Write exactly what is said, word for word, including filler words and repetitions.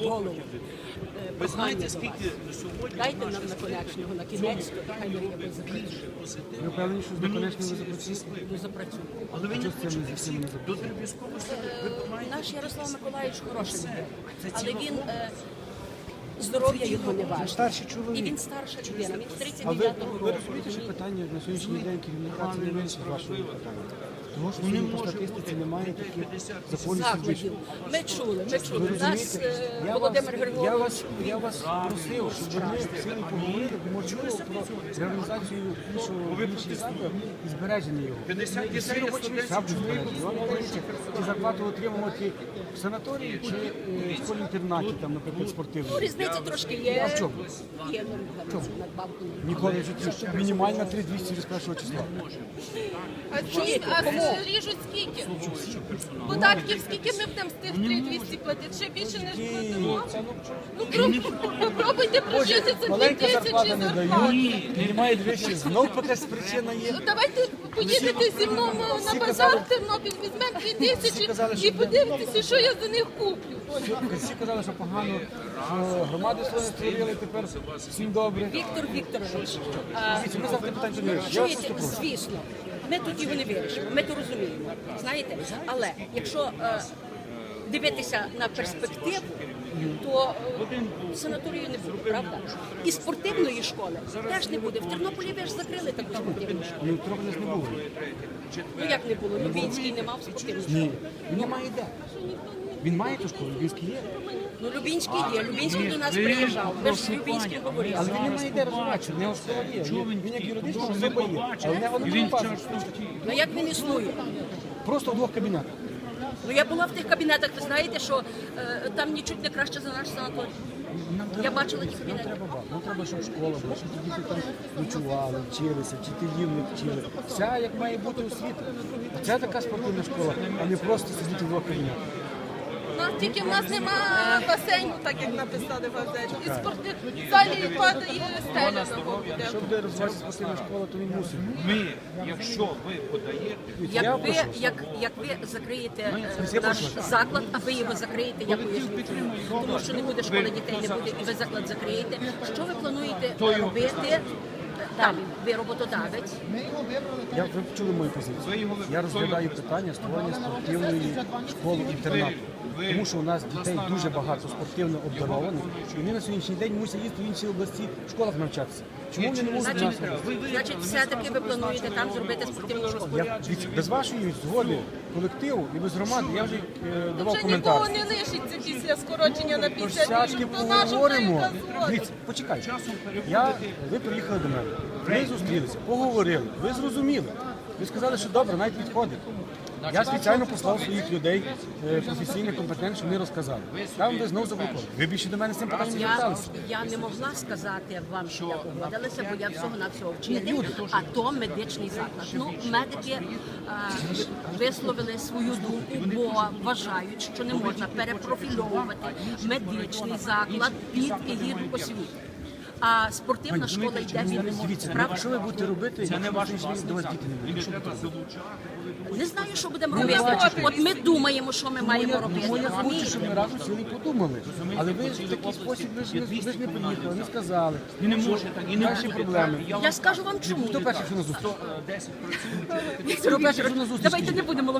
голову. Ви знаєте, скільки сьогодні Дайте нам наконечного, на кінець, хай ми його запрацюємо. Ви впевнені, що з доконечним ви запрацюєте? Ну, запрацюємо. Але ви не Що з цим хочете не всі не до військової служби. Ви маєте Наш Ярослав Миколаївич хороший людина, але він е, здоров'я його не важить. старший чоловік. І він старша людина, він з тридцять А ви, дев'ятого ви року. розумієте, що питання на сьогоднішній день керівника це не менше вашого питання? Тому що сьогодні по статистиці немає таких законів Закладів. судів. Ми чули, ми чули. Ви У нас розумієте, е, я Володимир вас, Григорович. я вас, я вас просив, щоб ми сьогодні поговорили, можливо, про реорганізацію іншого іншої служби і збереження його. п'ятдесят І всі дітей, робочі сто місця будуть збережені. Вам кажуть, чи зарплату отримувати в санаторії, чи е, в школі-інтернаті, там, наприклад, Ну, спортивній. різниці трошки є. А в чому? Є ну, надбавку. Ніколи в житті. Мінімальна три тисячі двісті з першого числа. А ці а ріжуть скільки? Податків скільки ми будемо з тих три двісті платити? Ще більше, ніж платимо? Ну, проб- попробуйте прожити за дві Маленька тисячі зарплата не зарплати. дають, немає двічі. Знов якась причина є. Ну, давайте поїдете зі мною на базар в Тернопіль, візьмемо дві тисячі і подивитеся, що я за них куплю. Всі казали, що погано, що громади свої створили, тепер всім добре. Віктор Вікторович, а, Дивіться, ми завжди питання не вирішимо. Я вас чуєте, просто прошу. звісно, ми тут його не вирішимо, ми то розуміємо, знаєте, але якщо е, дивитися на перспективу, то е, санаторію не буде, правда? І спортивної школи теж не буде. В Тернополі ви ж закрили таку спортивну школу. Ну, трохи нас не було. Ну як не було? Любінський не мав спортивну школу. Ні, він не має де. Він має ту школу, Львівський є. Ну Любінський є, Любінський до нас приїжджав, ви ж з Любінським говорили. Але він не має де розвиватися, в нього школа є. Він, він як юридична особа є, але в нього немає бази. Ну як він існує? Просто в двох кабінетах. Ну я була в тих кабінетах, ви знаєте, що е, там нічуть не краще за наш санаторій. Я бачила ті Нам кабінети. треба бати. Нам треба, щоб школа була, щоб діти там ночували, вчилися, вчителів не вчили. Вся як має бути освіта. А це така спортивна школа, а не просто сидіти в двох кабінетах. У нас тільки в нас нема басейну, так як написали в газеті. І спорти залі падає стеля на воду. Якщо буде розвиватися спортивна школа, то він мусить. Ми, якщо ви подаєте, Я Як ви, прошу. як, як ви закриєте е, Я наш прошу. заклад, а ви його закриєте, я поясню. чому. Тому що не буде школи дітей, не буде, і ви заклад закриєте. Що ви плануєте робити далі? Ви роботодавець. Я ви чули мою позицію. Я розглядаю питання створення спортивної школи інтернату. Тому що у нас дітей дуже багато спортивно обдарованих, і вони на сьогоднішній день мусять їздити в інші області в школах навчатися. Чому вони не можуть у нас Значить, робити? значить, все-таки ви плануєте там зробити спортивну школу. Я від- без вашої згоди колективу і без громади я вже е, давав Вже нікого коментар. не лишиться після скорочення на п'ятдесят Сядьте, тисяч. То нашу поговоримо. хай Дивіться, почекайте. Я, ви приїхали до мене, ми зустрілися, поговорили, ви зрозуміли. Ви сказали, що добре, навіть підходить. Я спеціально послав своїх людей, е, професійних, компетентних, щоб вони розказали. Там ви знову заблокували. Ви більше до мене з цим питанням не Я, зверталися. я не могла сказати вам, що я погодилася, бо я всього на всього вчитель, а то медичний заклад. Ну, медики е, висловили свою думку, бо вважають, що не можна перепрофільовувати медичний заклад під егіду освіти. А спортивна школа йде від Дивіться, ну, правда? що ви будете робити, якщо на сьогоднішній день до вас діти не будуть? Що ви будете робити? Не знаю, що будемо робити. От ми думаємо, що ми маємо робити. Ну, я хочу, розумієте? щоб ми разом сіли і подумали. Але ви ж в такий спосіб, ви ж не, ви ж не приїхали, не сказали. І не можете, і не ваші проблеми. Я скажу вам чому. Хто перший, що на зустріч? Віктор Вікторович, давайте не будемо